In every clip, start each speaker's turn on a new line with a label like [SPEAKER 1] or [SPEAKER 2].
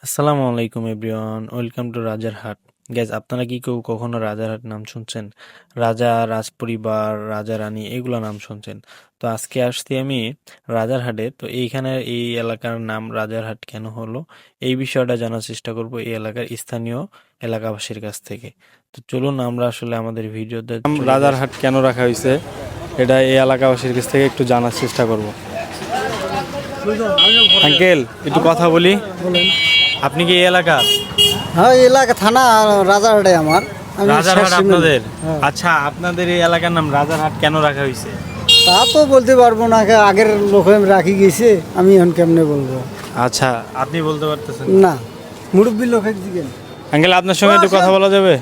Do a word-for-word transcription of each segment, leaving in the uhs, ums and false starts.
[SPEAKER 1] আসসালামু আলাইকুম everyone, welcome to Rajarhat. Gas, আপনারা কি কেউ কখনো রাজারহাট নাম শুনছেন? রাজা, রাজপরিবার, রাজা রানী এগুলো নাম শুনছেন? তো আজকে আসছি আমি রাজারহাটে। তো এইখানে এই এলাকার নাম রাজারহাট কেন হলো, এই বিষয়টা জানার চেষ্টা করব এই এলাকার স্থানীয় এলাকাবাসীর কাছ থেকে। তো চলুন আমরা আসলে আমাদের ভিডিওতে
[SPEAKER 2] নাম
[SPEAKER 1] চলে যাই।
[SPEAKER 2] রাজারহাট কেন রাখা হয়েছে এটা এই এলাকাবাসীর কাছ থেকে একটু জানার চেষ্টা করব। আঙ্কেল, একটু কথা বলি। আপনি কি এই এলাকা?
[SPEAKER 3] হ্যাঁ, এই এলাকা থানা রাজারহাটে আমার। আমি
[SPEAKER 2] রাজারহাট
[SPEAKER 3] শেষ
[SPEAKER 2] আপনাদের?
[SPEAKER 3] হ্যাঁ।
[SPEAKER 2] আচ্ছা, আপনাদের এই এলাকার নাম রাজারহাট কেন রাখা হয়েছে?
[SPEAKER 3] তা তো বলতে পারবো না, আগের লোক আমি রাখি গেছে, আমি এখন কেমনে বলবো?
[SPEAKER 2] আচ্ছা, আপনি বলতে পারতেছেন
[SPEAKER 3] না, মুরব্বী লোক দিকেন।
[SPEAKER 2] আঙ্কেল, আপনার সঙ্গে একটু কথা বলা যাবে?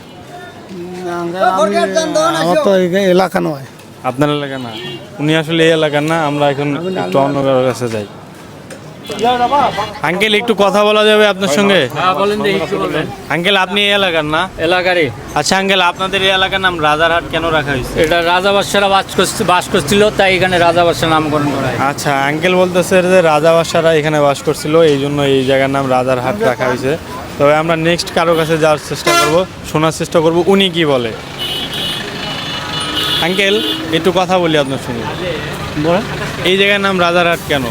[SPEAKER 3] আমার তো এই এলাকা নয়।
[SPEAKER 2] আপনার এলাকা না, উনি আসলে এই এলাকার না। আমরা এখন একটু অন্য কারোর কাছে যাই। আঙ্কেল, একটু কথা বলা যাবে আপনার সঙ্গে? আঙ্কেল, আপনি এই এলাকার না?
[SPEAKER 4] এলাকারই।
[SPEAKER 2] আচ্ছা আঙ্কেল, আপনাদের এই এলাকার নাম রাজারহাট কেন রাখা হয়েছে?
[SPEAKER 4] এটা রাজা বাদশারা বাস করছিল বাস করছিল তাই এখানে রাজা বাদশার নামকরণ করা হয়।
[SPEAKER 2] আচ্ছা, আঙ্কেল বলতেছে যে রাজা বাদশারা এখানে বাস করছিল, এই জন্য এই জায়গার নাম রাজারহাট রাখা হয়েছে। তবে আমরা নেক্সট কারো কাছে যাওয়ার চেষ্টা করব, শোনার চেষ্টা করব উনি কি বলে। আঙ্কেল, একটু কথা বলি আপনার সঙ্গে। এই জায়গার নাম রাজারহাট কেন?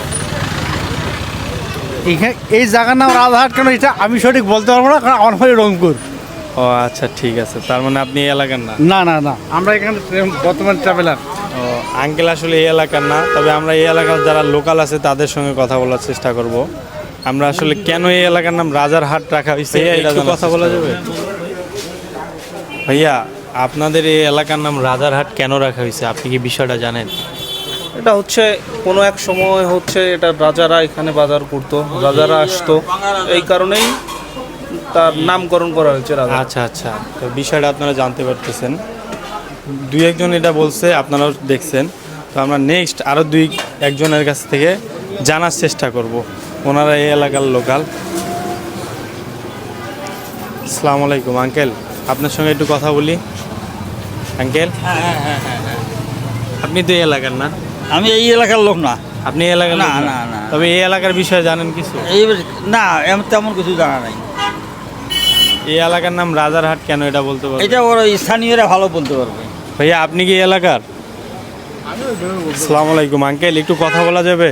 [SPEAKER 3] এখানে এই জায়গার নাম রাজারহাট কেন এটা আমি সঠিক বলতে পারবো না, কারণ আমার হয়ে রংপুর।
[SPEAKER 2] ও আচ্ছা, ঠিক আছে। তার মানে আপনি এই এলাকার না?
[SPEAKER 3] না না না, আমরা এখানে বর্তমান ট্রাভেলার।
[SPEAKER 2] ও আঙ্কেল আসলে এই এলাকার না, তবে আমরা এই এলাকার যারা লোকাল আছে তাদের সঙ্গে কথা বলার চেষ্টা করব। আমরা আসলে কেন এই এলাকার নাম রাজারহাট রাখা হয়েছে একটু কথা বলা যাবে? ভাইয়া, আপনাদের এই এলাকার নাম রাজারহাট কেন রাখা হয়েছে, আপনি কি বিষয়টা জানেন?
[SPEAKER 5] এটা হচ্ছে কোনো এক সময় হচ্ছে এটা রাজারা এখানে বাজার করতো, রাজারা আসতো, এই কারণেই তার নামকরণ করা হয়েছে রাজা।
[SPEAKER 2] আচ্ছা আচ্ছা, তো বিষয়টা আপনারা জানতে পারতেছেন। দুই একজন এটা বলছে, আপনারাও দেখছেন। তো আমরা নেক্সট আরও দুই একজনের কাছ থেকে জানার চেষ্টা করব, ওনারা এই এলাকার লোকাল। আসসালামু আলাইকুম আঙ্কেল, আপনার সঙ্গে একটু কথা বলি। আঙ্কেল, আপনি তো এই এলাকার না?
[SPEAKER 4] আমি এই এলাকার লোক না।
[SPEAKER 2] আপনি এই এলাকার
[SPEAKER 4] না,
[SPEAKER 2] লোক
[SPEAKER 4] না, না।
[SPEAKER 2] তবে এই এলাকার বিষয়ে জানেন কিছু?
[SPEAKER 4] এই না, এমন তেমন কিছু জানা নাই।
[SPEAKER 2] এই এলাকার নাম রাজারহাট কেন এটা বলতে পারবেন?
[SPEAKER 4] এটা ওরা স্থানীয়রা ভালো বলতে পারবে।
[SPEAKER 2] ভাইয়া, আপনি কি এই এলাকার? আসসালামু আলাইকুম আঙ্কেল, একটু কথা বলা যাবে?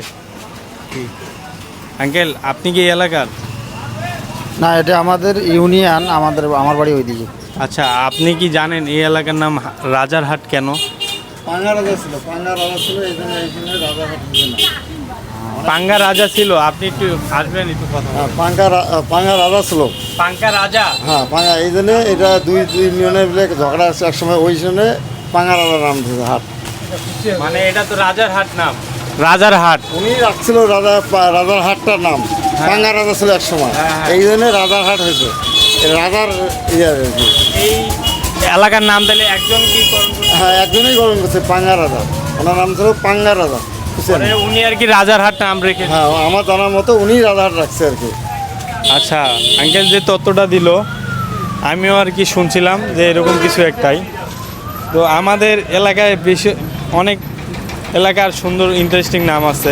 [SPEAKER 2] আঙ্কেল, আপনি কি এই এলাকার?
[SPEAKER 3] না, এটা আমাদের ইউনিয়ন, আমাদের আমার বাড়ি ওইদিকে।
[SPEAKER 2] আচ্ছা, আপনি কি জানেন এই এলাকার নাম রাজারহাট কেন?
[SPEAKER 3] পাঙ্গা রাজা ছিল, পাঙ্গা রাজা ছিল, এই জন্য এই জন্য রাজারহাট হচ্ছে না।
[SPEAKER 2] পাঙ্গা রাজা ছিল? আপনি একটু আসবেন, একটু কথা বলবেন।
[SPEAKER 3] পাঙ্গা পাঙ্গা রাজা ছিল।
[SPEAKER 2] পাঙ্গা রাজা?
[SPEAKER 3] হ্যাঁ, পাঙ্গা, এই জন্য এটা দুই দুই ইউনিয়নের মিলে ঝগড়া আছে এক সময়, ওই জন্য পাঙ্গা রাজার নাম দিয়েছে হাট।
[SPEAKER 2] মানে এটা তো রাজারহাট নাম, রাজারহাট।
[SPEAKER 3] উনি রাখছিল রাজা রাজার হাটটার নাম, পাঙ্গা রাজা ছিল এক সময়, এই জন্য রাজার হাট হয়েছে। এই রাজার ইয়ে আর কি।
[SPEAKER 2] এই এলাকার নাম তাহলে একজন কি করুন?
[SPEAKER 3] হ্যাঁ, একজনই গ্রহণ করছে, পাঙ্গা রাজা। ওনার নাম ছিল পাঙ্গা রাজা, বুঝছেন?
[SPEAKER 2] উনি আর কি রাজারহাট নাম রেখে?
[SPEAKER 3] হ্যাঁ, আমার জানার মতো উনি রাজার রাখছে আর কি।
[SPEAKER 2] আচ্ছা আঙ্কেল, যে তথ্যটা দিল আমিও আর কি শুনছিলাম যে এরকম কিছু একটাই। তো আমাদের এলাকায় বেশি অনেক এলাকার সুন্দর ইন্টারেস্টিং নাম আছে।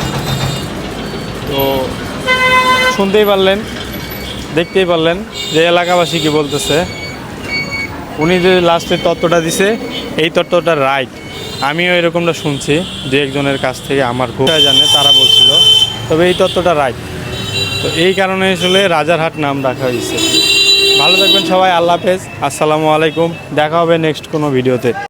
[SPEAKER 2] তো শুনতেই পারলেন, দেখতেই পারলেন যে এলাকাবাসী কি বলতেছে। উনি যে লাস্টে তথ্যটা দিছে, এই তথ্যটা রাইট। আমিও এরকমটা শুনছি দু একজনের কাছ থেকে, আমার খুব জানে তারা বলছিল। তবে এই তথ্যটা রাইট। তো এই কারণে আসলে রাজারহাট নাম রাখা হয়েছে। ভালো থাকবেন সবাই, আল্লাহ হাফেজ, আসসালামু আলাইকুম। দেখা হবে নেক্সট কোনো ভিডিওতে।